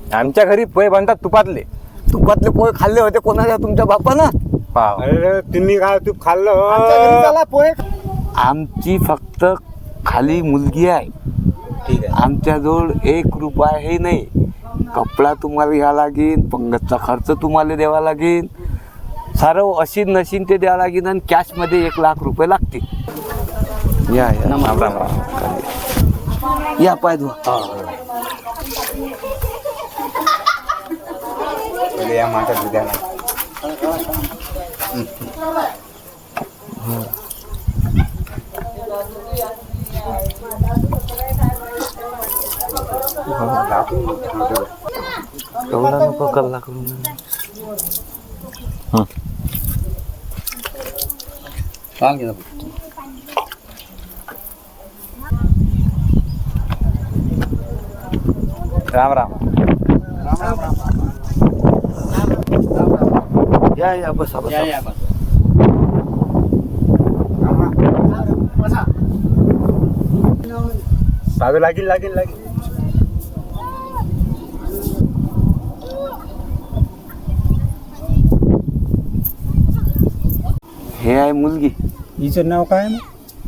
आमच्या घरी पोहे बनतात तुपातले. तुपातले पोहे खाल्ले होते कोणाच्या तुमच्या बापानं? पाव. अरे तुम्ही काय तूप खाल्लं आमच्या घरी चला पोहे. आमची फक्त खाली मुलगी आहे. ठीक आहे. आमच्याजवळ 1 रुपया हे नाही. कपडा तुम्हाला घ्यावा लागेल, पंगतचा खर्च तुम्हाला द्यावा लागेल, सारं अशीन नशीन ते द्यावं लागेल आणि कॅशमध्ये 1 लाख रुपये लागतील. या या राम राम राम. या पाय धुवा. पहिले या माता दुधाला. एवढा नको कल्ला करून. राम राम. या या बसा बसा. सावे लागेल लागेल लागेल. हे आहे मुलगी. हिचं नाव काय आहे मग?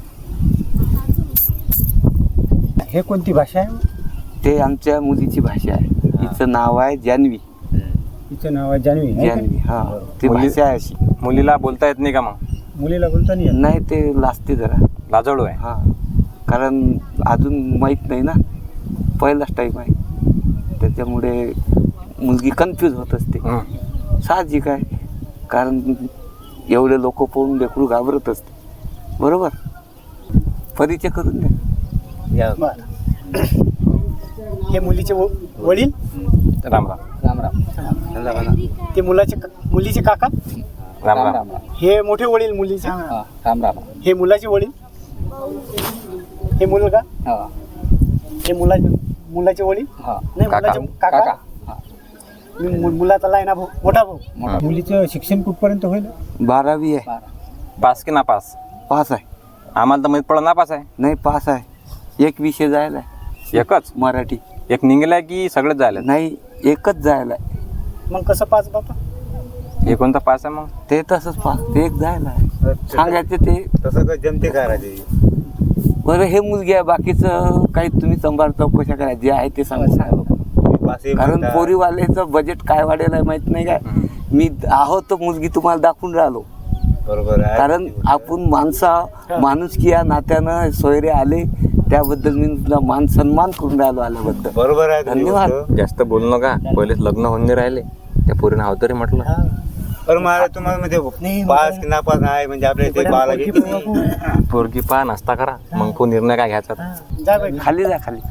हे कोणती भाषा आहे? ते आमच्या मुलीची भाषा आहे. हिचं नाव आहे जान्हवी. हिचं नाव आहे जान्हवी. जान्हवी हा. ती मुली- भाषा आहे अशी. मुलीला बोलता येत नाही का मग? मुलीला बोलता नाही येत? नाही ते लाजते जरा. लाजळू आहे. हा कारण अजून माहीत नाही ना, पहिलाच टाईम आहे, त्याच्यामुळे मुलगी कन्फ्यूज होत असते. साहजिक आहे, कारण एवढे लोक पाहून लेकरू घाबरत असते. बरोबर. परिचय करून द्या. बरं. हे मुलीचे वडील? राम राम. ते मुलीचे काका? राम राम. हे मोठे वडील मुलीचे? राम राम. हे मुलाचे वडील? हे मुलगा? हे मुलाचे वडील? नाही, काका. मुलाचे काका? मुलाचा आहे ना भाऊ, मोठा भाऊ. मुलीचं शिक्षण कुठपर्यंत होईल? 12वी आहे. पास की नापास? पास आहे. आम्हाला तर माहित पडलं नापास आहे. नाही पास आहे. 1 विषय जायला आहे. एकच? मराठी. एक निघलाय की सगळेच जायला? नाही एकच जायला आहे. मग कसं पाच बापा? हे कोणता पास आहे मग? ते तसंच पास. ते एक जायला आहे. सांगायचे ते. तसं काय जमते का राजे? बरं हे मुलगी आहे, बाकीचं काही तुम्ही संभार चौकशा करा, जे आहे ते सांगा. कारण पोरीवाल्याचं बजेट काय वाढेल आहे माहित नाही काय. मी आहोत तर मुलगी तुम्हाला दाखवून राहिलो. बरोबर आहे. कारण आपण माणुसकी या नात्यानं सोयरे आले, त्याबद्दल मी तुला मान सन्मान करून राहिलो आल्याबद्दल. बरोबर आहे. धन्यवाद. जास्त बोलू नका, पहिलेच लग्न होऊन नाही राहिले. त्या पोरीनं हाव तरी म्हटलं. पण मला तुम्हाला म्हणजे पास की नापास आहे म्हणजे आपल्या इथे पाहायला लागेल. पोरगी पहा, नाश्ता करा, मग तो निर्णय काय घ्यायचा. जा बाई. खाली जा खाली.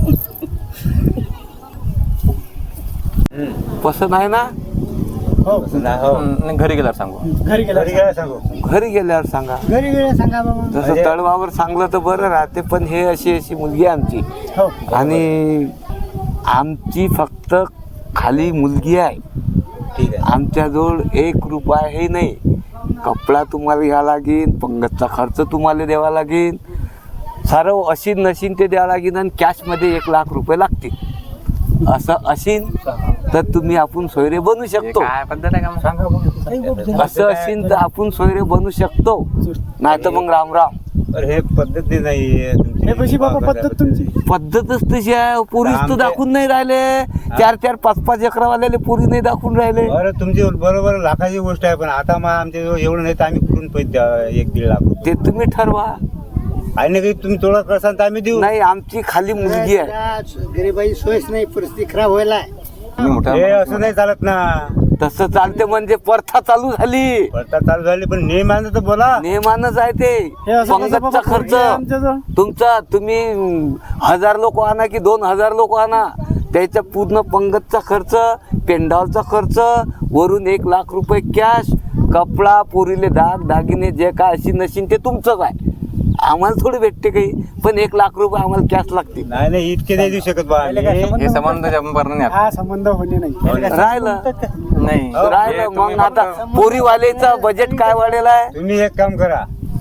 पसंत आहे ना? हो. घरी गेल्यावर सांगू. घरी गेला सांगू. घरी गेल्यावर सांगा. घरी गेला सांगा बाबा. तसं तळवावर सांगलं तर बरं राहते, पण हे अशी मुलगी आहे आमची. हो. आणि आमची फक्त खाली मुलगी आहे. ठीक आहे. आमच्याजवळ 1 रुपया हे नाही. कपडा तुम्हाला घ्यावा लागेल, पंगतचा खर्च तुम्हाला द्यावा लागेल, सारं अशीन नशीन ते द्यावं लागेल आणि कॅशमध्ये 1 लाख रुपये लागतील. असं असीन तर तुम्ही आपण सोयरे बनू शकतो. काय पद्धत आहे का मग? सांगा मग. असं असीन तर आपण सोयरे बनू शकतो, नाही तर मग राम राम. अरे हे पद्धती नाही. हे कशी बाबा पद्धत तुमची? पद्धतच तशी आहे. पोरीच तर दाखवून नाही राहिले. 4-4, 5-5 एकरावाल्याले पोरी नाही दाखवून राहिले. बरं तुमची बरोबर लाखाची गोष्ट आहे, पण आता मग आमच्या एवढं नाही तर आम्ही कुठून पैसे द्या 1-1.5 लाख रुपये? ते तुम्ही ठरवा. आणि काही तुम्ही थोडं करसाल तर आम्ही देऊ. नाही आमची खाली मुलगी आहे. गरीबाई सोयच नाही, परिस्थिती खराब व्हायला. तुम्ही मोठा हे असं नाही चालत ना. तसं चालते म्हणजे प्रथा चालू झाली. आता चालू झाली पण नियमानं तर बोला. नियमानच आहे ते. पंगतचा खर्च तुमचा, तुम्ही 1000 लोक आणा की 2000 लोक आणा, त्याच्या पूर्ण पंगतचा खर्च, पेंडॉलचा खर्च, वरून 1 लाख रुपये कॅश, कपडा, पोरीले दागिने जे काय अशी नशीन ते तुमचंच आहे. आम्हाला थोडी भेटते काही, पण 1 लाख रुपये आम्हाला कॅश लागते. नाही इतके नाही देऊ शकत बा. हे संबंध जमणार नाही. हा संबंध होणे नाही. राहिलं नाही राहिलं मग आता पोरीवालेचा बजेट काय वाढेल आहे. तुम्ही एक काम करा,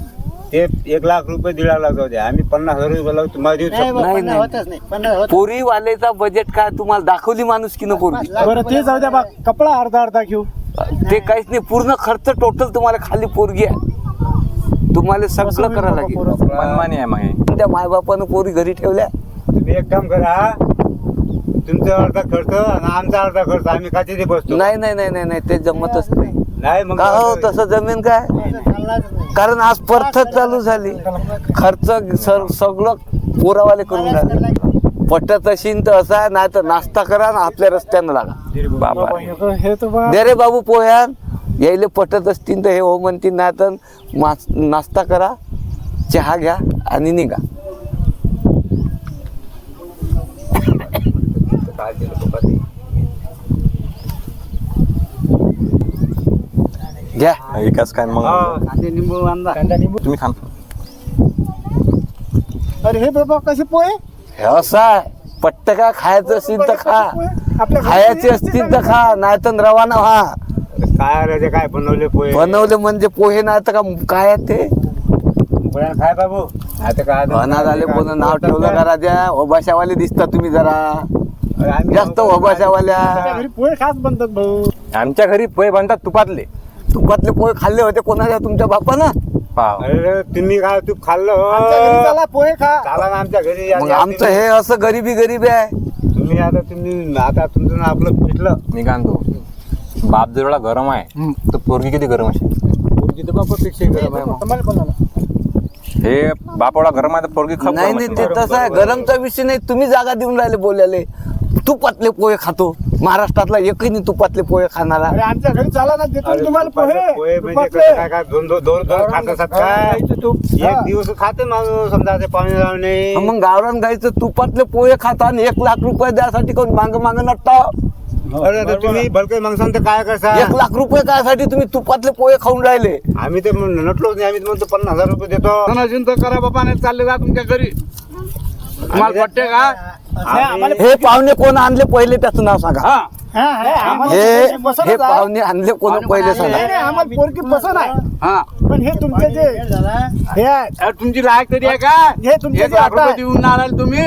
ते 1 लाख रुपये 1.5 लाख जाऊ द्या, आम्ही 50,000 रुपये लावू, तुम्हाला देऊ शकतो. नाही पोरीवालेचा बजेट काय तुम्हाला दाखवली माणूस की न पोरगी बरं ते जाऊ द्या बा, कपडा अर्धा घेऊ. ते काहीच नाही पूर्ण खर्च टोटल तुम्हाला खाली पोरगी आहे तुम्हाला सगळं करावं लागेल मनमानी आहे मग हे. त्या मायबापानं पोरी घरी ठेवल्या तुम्ही एक काम करा, तुमचा अर्धा खर्च आणि आमचा अर्धा खर्च, आम्ही का तिथे बसतो. नाही नाही नाही नाही नाही ते जमतच नाही नाही मग का हो तसं जमीन काय कारण आज पर्थच चालू झाली खर्च सगळं पोरावाले करून राहिले पटत असेल तर असा नाही तर नाश्ता करा ना आपल्या रस्त्यानं लागा बाबा हे तर बा दे रे बाबू पोह्यान यायले पटत असतील तर हे हो म्हणतील नाही तर नाश्ता करा चहा घ्या आणि निघा घ्या विकास काय मग निंबू आणला कांदा निंबू. तुम्ही खा अरे हे बाबा कसे पोहे हे असं आहे पट्ट का खायचं असेल तर खा आपल्या खायचे असतील तर खा नाही तर रवाना व्हा काय रे, ते काय बनवले पोहे बनवले म्हणजे पोहे नाही तर का काय आहे ते पोह्या खाय बाबू. आता काय अनाथ आले कोण नाव ठेवलं करा द्या ओबाशावाले दिसता तुम्ही जरा आम्ही जास्त ओबाशावाल्या आपल्या घरी पोहे खास बनतात भाऊ. आमच्या घरी पोहे बनतात तुपातले तुपातले पोहे खाल्ले होते कोणाच्या तुमच्या बापानं पाव अरे तुम्ही काय तू खाल्लं आमच्या घरी चला पोहे खा. चाला ना आमच्या घरी या. मग आमचं हे असं गरीबी आहे आता तुमचं आपलं पिटलं. मी काय म्हणतो बाप जर एवढा गरम आहे तर पोरगी किती गरम असेल तुम्हाला कोणाला? हे बाप एवढा गरम आहे तर पोरगी खूप नाही गरम नाही असेल. ते तसं आहे गरमचा विषय नाही तुम्ही जागा देऊन राहिले बोलायले तुपातले पोहे खातो महाराष्ट्रातला एकही नाही तुपातले पोहे खाणारा अरे आमच्या घरी चला ना देतो अरे तुम्हाला पोहे पोहे म्हणजे तुपातले. कसं काय काय दोन खात असतात काय एक दिवस खाते माणूस समजा ते पाणी लावणे. मग गावरान गाईचं तुपातले पोहे खाता आणि 1 लाख रुपये द्यासाठी कोण मांग नटता अरे आता तुम्ही भलके माणसांचं तर काय करता 1 लाख रुपये कायसाठी तुम्ही तुपातले पोहे खाऊन राहिले आम्ही ते नटलोच नाही आम्ही म्हणतो 50,000 रुपये देतो. करा बाबा नाही चालले जा तुमच्या घरी तुम्हाला पटते का नाही, आम्हाला हे पाहुणे कोण आणले पहिले त्याचं नाव सांगा हा हा, हा, आम्हाला हे पोरगी पसंत हे आहे. पाहुणे आणले कोण पहिले नाही, सांगा नाही, आम्हाला पोरगी पसंत आहे हा पण हे तुमचे जे हे आहेत, अरे तुमची लायक तरी आहे का हे तुमचे 1 जे लाख आता रुपये आहे. देऊन आणाल तुम्ही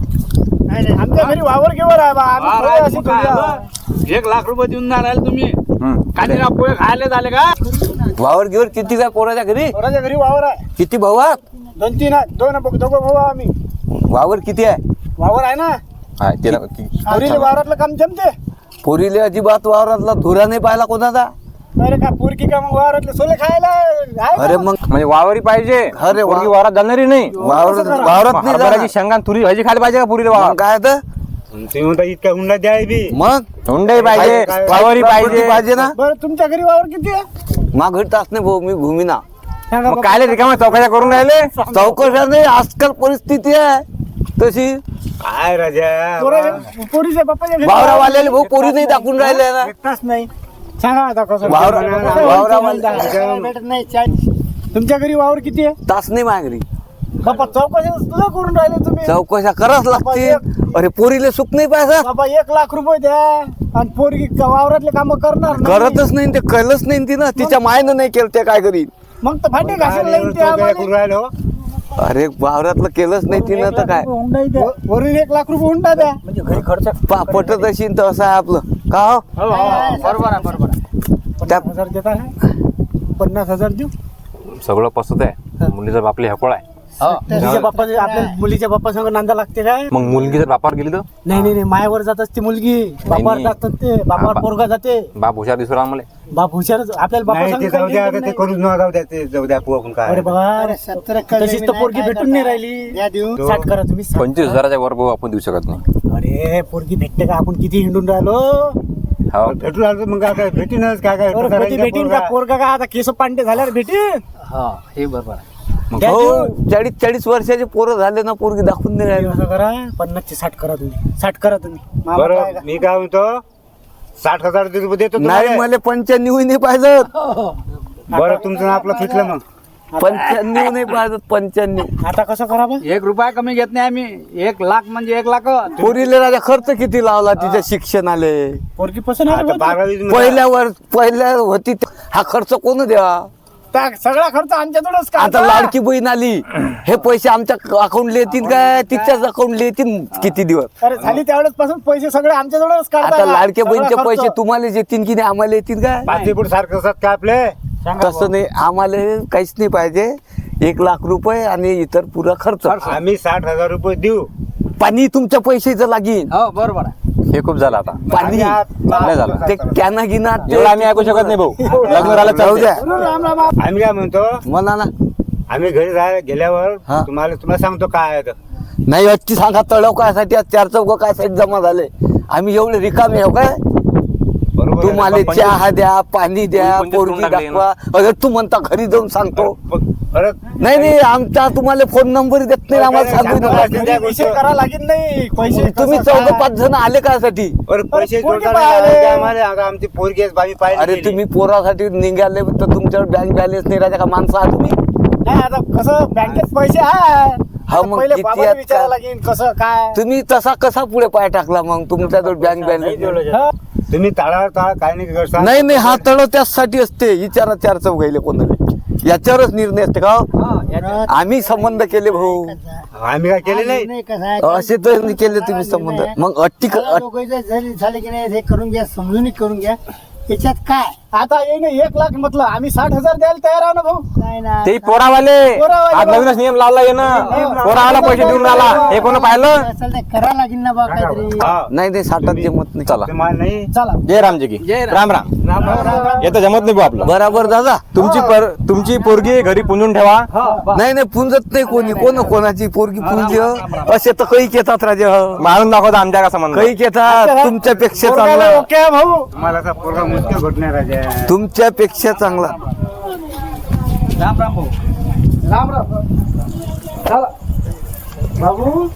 आमच्या घरी वावर घेवर आहे बा आम्ही हा, पोहे अशी मग काय थोडी आहे. आलं? 1 लाख रुपये देऊन आणाल तुम्ही हम्म. काही पोहे खायला झाले का वावर गिवर किती काय पोराच्या घरी पोराच्या घरी वावर आहे किती भाऊ आहेत? 2-3 आहे दोघं भाऊ आहे आम्ही वावर किती आहे वावर आहे ना हा, तिला पोरीले वावरातलं काम जमते पोरीले अजिबात वावरातला धुरा नाही पाहिला कोणाचा अरे का पोरकी का मग वावरातले सोले खायला आहे का? अरे मग म्हणजे वावरी पाहिजे अरे वा- पोरगी वावरात जाणारी नाही वावरात करा. वावरात नाही हरभऱ्याची जाणार. शेंगा आणि तुरी भाजी खायला पाहिजे का पुरीला मग वावर काय तर तुम्ही म्हणता इतका हुंडा द्याय बी मग हुंडाई पाहिजे काय- वावरी प्रॉपर्टी पाहिजे पाहिजे ना बरं तुमच्या घरी वावर किती आहे मग घडताच नाही भाऊ मी भूमीना सांगा मग बाबा. काय रिकामा चौकाच्या करून राहिले चौकशा नाही आजकाल परिस्थिती आहे तशी काय राजा पोरीच्या बाप्पाच्या घरी वावरावाल्याला भाऊ पोरी नाही दाखवून राहिले ना भेटताच नाही सांगा आता कसं वावरावाले भेटत नाही तुमच्या घरी वावर किती आहे तास नाही मागली बाबा चौकशी सुद्धा करून राहिले तुम्ही चौकशा करावच लागतील अरे पोरीले सुख नाही पाहिजे बाबा 1 लाख रुपये द्या आणि पोरगी वावरातले काम करणार नाही. करतच नाही ते कळलंच नाही तिनं तिच्या मायनं नाही केलं ते काय करीन मग तर भांडे घासायला लागेल ते आम्हाला. करून राहिलो. अरे वावरातलं केलंच नाही तिनं तर काय वरून 1 लाख रुपये हुंडा द्या म्हणजे घरी खर्च पटत असेल तर असं आहे आपलं का हो बरोबर आहे बरोबर आहे त्या 50,000 देता आहे 50,000 देऊ सगळं पसत आहे मुलीचा बापले हकोळ आहे मुलीच्या बाप्पा आपल्या मुलीच्या बाप्पा संग नांदा लागते काय मग मुलगी जर बापावर गेली तर नाही नाही नाही मायावर जात असते मुलगी बापावर नाही. जातात ते बापावर बापा- पोरगा जाते बाप हुशार दिसू राहिला मला बाप हुशारच आपल्याला बापा नाही संग ते काही जाऊ द्या घेणं आता ते नाही. करूच नका जाऊ द्या ते जाऊ द्या आपण काय अरे बाबा तशीच तर पोरगी भेटून नाही राहिली 60 करा तुम्ही 60 25,000च्या वर भाऊ आपण देऊ शकत नाही अरे पोरगी भेटते का आपण किती हिंडून राहिलो हो भेटून आलो तर मग काय भेटीनच काय काय अरे पोरगी भेटीन का पोरगा का आता केस पांडे झाल्यावर भेटीन हा हे बरोबर आहे मग द्या हो देऊन. 40 वर्षाचे पोरं झाले ना पोरगी दाखवून नाही राहिले असं करा 50 चे 60 करा तुम्ही 60 करा तुम्ही मामा काय बरं का? मी काय म्हणतो 60,000 रुपये देतो नाही तुम्हाला. मला 95 नाही पाहिजे बरं तुमचं आणि आपलं फिटलं मग 95 नाही पाहिजे 95 आता कसं करा बा 1 रुपया कमी घेत नाही आम्ही 1 लाख म्हणजे 1 लाख पोरीले राजा खर्च किती लावला तिच्या शिक्षणाले पोरगी पसंत आहे आता ना? 12वी पहिल्या होती हा खर्च कोण द्या सगळा खर्च आमच्याकडूनच आता लाडकी बहीण आली, हे पैसे आमच्या अकाउंटला येतील काय तिच्याच अकाउंटला येतील किती दिवस? अरे झाली त्यावेळेस पासून पैसे सगळे आमच्याजवळच आता लाडक्या बहीणचे पैसे तुम्हाला येतील की नाही, आम्हाला येतील काय? पाचीपूट सारखं असतात का आपले? तसं नाही, आम्हाला काहीच नाही पाहिजे. 1 लाख रुपये आणि इतर पुरा खर्च. आम्ही 60,000 रुपये देऊ. पाणी तुमच्या पैशाचं लागेल. हो बरोबर आहे. हे खूप झालं आता. पाणी नाही झालं. ते कॅना गिना एवढं आम्ही ऐकू शकत नाही भाऊ. लग्न राहिलं जाऊ द्या. राम राम. आम्ही काय म्हणतो, म्हणा ना. आम्ही घरी गेल्यावर हा. तुम्हाला सांगतो काय आहे तर. नाही अच्ची सांगा, तळव कायसाठी 4 चौघ कायसाठी जमा झाले? आम्ही एवढे रिकामे हो काय? बरोबर आहे. तुम्हाला चहा द्या, पाणी द्या, कोणी पोरगी कोणी टाकले दाखवा. अरे तू म्हणता घरी जाऊन सांगतो. परत नाही आमचा तुम्हाला फोन नंबर देत नाही, आम्हाला सांगू नका. त्या विषय करा लागेल नाही पैसे तुम्ही कसं 4-5 जण आले कासाठी? परत पैसे पोरगी जोडताना पाहिले. आम्हाला आता आमची पोरगी आहे, आम्ही पाहिजे अरे तुम्ही पोरासाठी निघाले तर तुमच्यावर बँक बॅलन्स नाही राहते का? माणसं आहात तुम्ही? नाही आता कसं बँकेत पैसे आहे. हा, आता मग पहिले किती बाबाला आहेत विचारायला का? लागेल कसं काय. तुम्ही तसा कसा पुढे पाय टाकला मग तुमच्याजवळ बँक बॅलन्स? हा. तुम्ही ताळावर ताळ काय नाही करता. नाही हा तळ त्याचसाठी असते. विचारा 4 चौघायले कोणाला, याच्यावरच निर्णय असते का? आम्ही संबंध केले भाऊ, आम्ही काय केले नाही. असे तर नाही केले तुम्ही संबंध. मग अट्टी झाले की नाही हे करून घ्या, समजून करून घ्या. याच्यात काय आता येईन 1 लाख म्हटलं आम्ही 60,000 द्यायला तयार आहो ना भाऊ. नाही ना ते पोरावाले पोरावाले आज नवीनच नियम लावला ये ना. पोरावाला पैसे देऊन राहिला, हे कोण पाहिलं? करा लागेल ना बा काहीतरी. हा. नाही 60 जमत नाही. चला तुम्हाला नाही. चला जय रामजी की राम राम. येतं जमत नाही भाऊ आपलं. बराबर दादा. तुमची पोरगी घरी पुंजून ठेवा. नाही पुंजत नाही कोणी, कोणाची पोरगी पुंज असे तर कैक येतात राजा. मारून दाखवता आमच्या का संबंध. कैक येतात तुमच्यापेक्षा चांगला, ओके आहे भाऊ. तुम्हाला असा पोरगा मुश्किल घडणार आहे. तुमच्यापेक्षा चांगला. राम राम भाऊ. राम राम. चला बाबू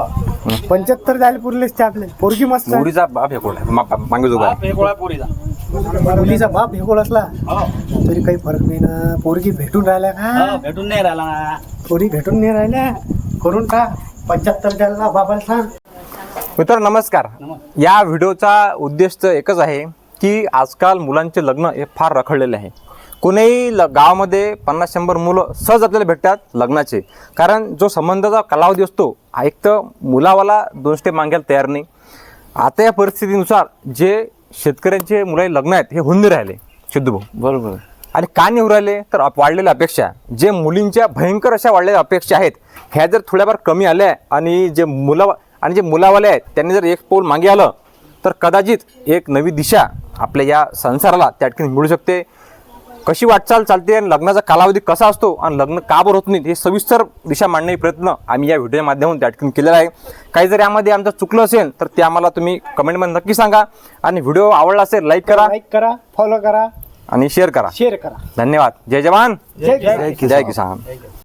75 द्यायला पुरलेच ते आपले. पोरगी मस्त आहे. मुडीचा बाप हे कोण मागे जो आहे. मुलीचा बाप भेगोळ असला तरी काही फरक नाही ना. पोरगी भेटून राहिल्या का? भेटून नाही राहिला ना. पोरी भेटून नाही राहिल्या, करून का 75 द्यायला ना बाबाला सांग. मित्र नमस्कार. या व्हिडिओचा उद्देश तर एकच आहे की आजकाल मुलांचे लग्न हे फार रखडलेले आहे. कोणीही गावामध्ये 50-100 मुलं सहज आपल्याला भेटतात लग्नाचे. कारण जो संबंधाचा कालावधी असतो, एक तर मुलावाला 2 स्टेप मागायला तयार नाही. आता या परिस्थितीनुसार जे शेतकऱ्यांचे मुलाही लग्न आहेत हे होऊन नाही राहिले सिद्धू भाऊ. बरोबर. आणि का नाही होऊ राहिले तर वाढलेल्या अपेक्षा, जे मुलींच्या भयंकर अशा वाढलेल्या अपेक्षा आहेत, ह्या जर थोड्याफार कमी आल्या आणि जे मुलावाले आहेत त्यांनी जर एक पाऊल मागे आलं तर कदाचित एक नवी दिशा आपल्या या संसाराला त्या ठिकाणी मिळू शकते. कशी वाटचाल चालते आणि लग्नाचा कालावधी कसा असतो आणि लग्न का बरं होत नाही हे सविस्तर दिशा मांडण्याचा प्रयत्न आम्ही या व्हिडिओच्या माध्यमातून त्या ठिकाणी केलेला आहे. काही जर यामध्ये आमचं चुकलं असेल तर ते आम्हाला तुम्ही कमेंटमध्ये नक्की सांगा. आणि व्हिडिओ आवडला असेल लाईक करा, फॉलो करा, आणि शेअर करा. शेअर करा. धन्यवाद. जय जवान जय जय किसान.